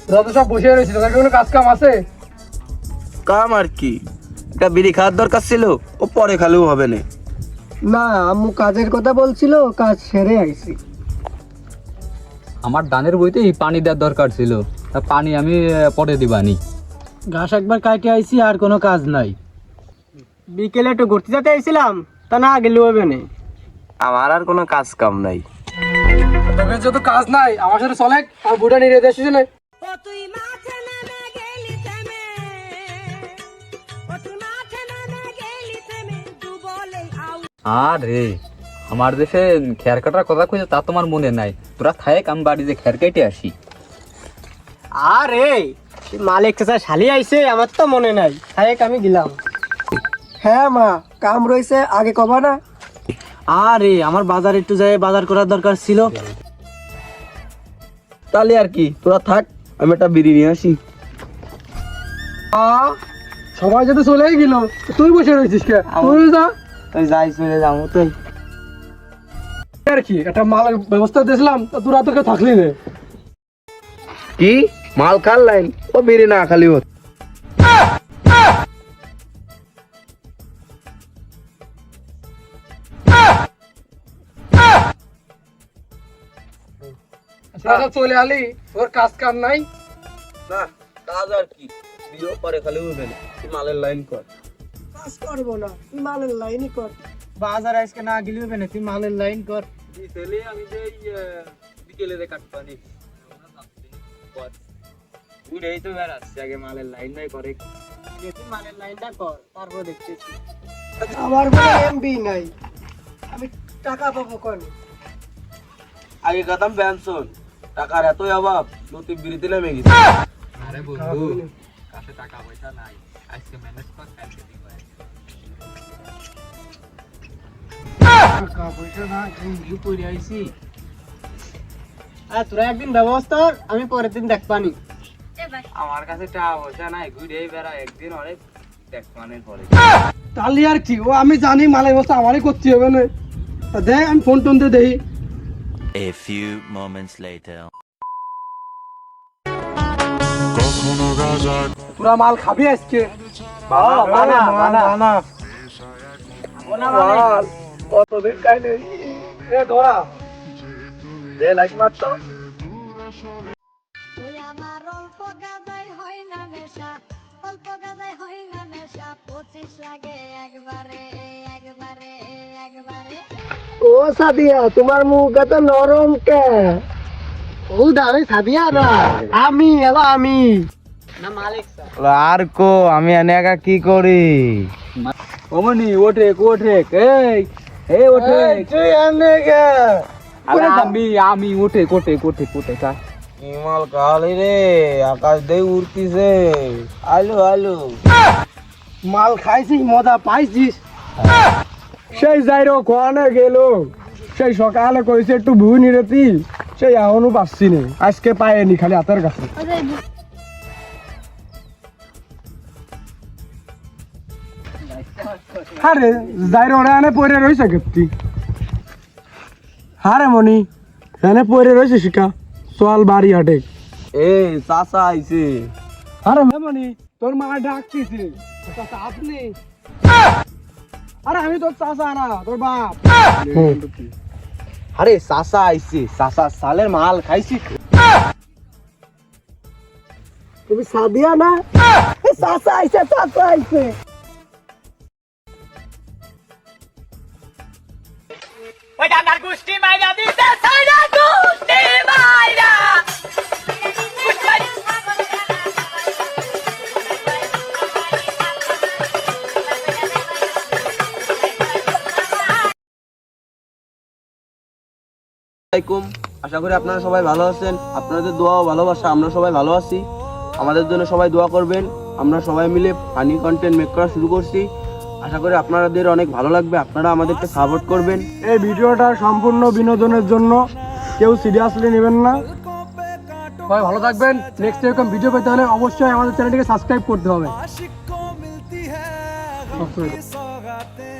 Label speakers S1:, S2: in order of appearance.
S1: তোরা তো সব বসে রয়েছিস, তোদের কোনো কাজ কাম আছে?
S2: কাম আর কি, একটা বিড়ি খাওয়ার দরকার ছিল, ও পরে খালেও হবে না।
S3: না, আম্মু কাজের কথা বলছিল, কাজ সেরে আইছি।
S4: আমার ধানের বইতে পানি দেওয়ার দরকার ছিল, তা পানি আমি পরে দিবানি।
S3: ঘাস একবার কাটে আইছি, আর কোনো কাজ নাই। বিকেলে একটু ঘুরতে যেতে আইছিলাম, তা না গেলে হবে না।
S2: আমার আর কোনো কাজ কাম নাই।
S1: তোদের যত কাজ নাই আমার সাথে চলে, আর বুড়া নিয়ে যেতে আসিস না।
S4: আরে আমার দেশে খের কাটার কথা কইছে তা তোমার মনে নাই, তোরা থাক আমি বাড়িতে খের কেটে আসি।
S3: আরে মালিক চাচা শালি আইছে, আমার তো মনে নাই। হায়েক আমি গেলাম। হ্যাঁ মা, কাম রইছে, আগে কবা না। আরে আমার বাজার একটু যাই, বাজার করার দরকার ছিল।
S2: তাহলে আর কি, তোরা থাক, আমি একটা বিড়ি নিয়ে আসি।
S1: সবাই যাতে চলেই গেল, তুই বসে রয়েছিস কে? তুই যা।
S3: তুই যাই, চলে যাবো তুই।
S1: আর কি একটা মালের ব্যবস্থা দিয়েছিলাম, তা তোরা তো কেউ থাকলি না।
S2: কি মাল খাল লাইন, ও বিড়ি না খালি হত।
S1: তোরা চলে আলি, তোর কাজ কাম নাই।
S2: না কাজ আর কি, বিড়িও পরে খালি হবে না, তুই মালের লাইন কর।
S3: কাজ করবো না, তুই মালের লাইনই কর। বাজার আজকে না গেলে হবে না, তুই মালের লাইন কর।
S4: বিকেলে আমি দেই বিকেলে দে কাটপানি
S3: উড়েই তো বেড়াচ্ছে, আগে মালের লাইন নাই করে। তুই মালের লাইনটা কর, তারপর দেখতেছি। আমার কোনো এমবি নাই, আমি টাকা পাবো কোন?
S2: আগে কাতাম পেনশন, টাকার এতই অভাব, তুই বিড়িতে নেমে গেছিস।
S4: আরে বন্ধু কাছে টাকা পয়সা নাই, আজকে ম্যানেজ কর, কালকে দিব।
S3: টাকা পয়সা না, ঘুমিয়ে পড়ে আইছি। তোরা একদিন ব্যবস্থা কর, আমি পরের দিন দেখবানি।
S4: আমার কাছে টাকা পয়সা নাই, ঘুরে বেড়া, একদিন অনেক দেখ মানে পরে।
S1: তাহলে আর কি, ও আমি জানি মালের ব্যবস্থা আমারই করতে হবে না। তা দেখ আমি ফোন টোন দিয়ে দেখি।
S5: A few moments later.
S1: তোরা মাল খাবি আজকে? কতদিন খাই নেই। এ ধরা দে লাইক মারতো।
S6: আমার অল্প গাদায় হয় না নেশা, অল্প গাদায় হয় না নেশা, 25 লাগে একবারে একবারে একবারে।
S3: ও সাদিয়া, তোমার মুখ এত নরম কে? ও দাঁড়ে সাদিয়া না, আমি না মালিক স্যার।
S2: আর কো আমি এনে একা কি করি?
S4: ওমনি ওঠে ওঠে, এই ওঠে।
S3: তুই এনে কে?
S4: আরে আমি ওঠে কোটে কোটে কোটে কা
S2: কি মাল খালি রে, আকাশ দিয়ে উড়তিছে। আলু আলু
S3: মাল খাইছিস, মজা পাইছিস?
S1: সেই যাইরো কোয়ানে গেল, সেই সকালে কইছে একটু ভুই নিরেতি, সেই এখনো পাচ্ছি না। আজকে পাইনি, খালি হাতের কাছে। আরে যাইরো ওরা এনে পড়ে রয়েছে কেপটি। হারে মনি এনে পড়ে রয়েছে শিকা, চল বাড়ি হাটে।
S2: এই চাচা আইছে।
S1: আরে মনি তোর মা ডাকতেছে। চাচা আপনি? আরে আমি তোর চাচা না, তোর বাপ।
S2: আরে চাচা আইছে, চাচা সালের মাল খাইছি।
S3: তুমি সাদিয়া না? চাচা আইছে, চাচা আইছে।
S7: ওই ডান্ডার গুষ্টি মাইরা দিতে সাইরা গুষ্টি মাইরা গুষ্টি মাইরা।
S2: আসসালামু আলাইকুম, আশা করি আপনারা সবাই ভালো আছেন। আপনাদের দোয়া ও ভালোবাসা আমরা সবাই ভালো আছি। আমাদের জন্য সবাই দোয়া করবেন। আমরা সবাই মিলে ফানি কন্টেন্ট মেক করা শুরু করছি, আশা করি আপনাদের অনেক ভালো লাগবে। আপনারা আমাদেরকে সাপোর্ট করবেন।
S1: এই ভিডিওটা সম্পূর্ণ বিনোদনের জন্য, কেউ সিরিয়াসলি নেবেন না। সবাই ভালো থাকবেন। নেক্সট এরকম ভিডিও পেতে হলে অবশ্যই আমাদের চ্যানেলটিকে সাবস্ক্রাইব করতে হবে।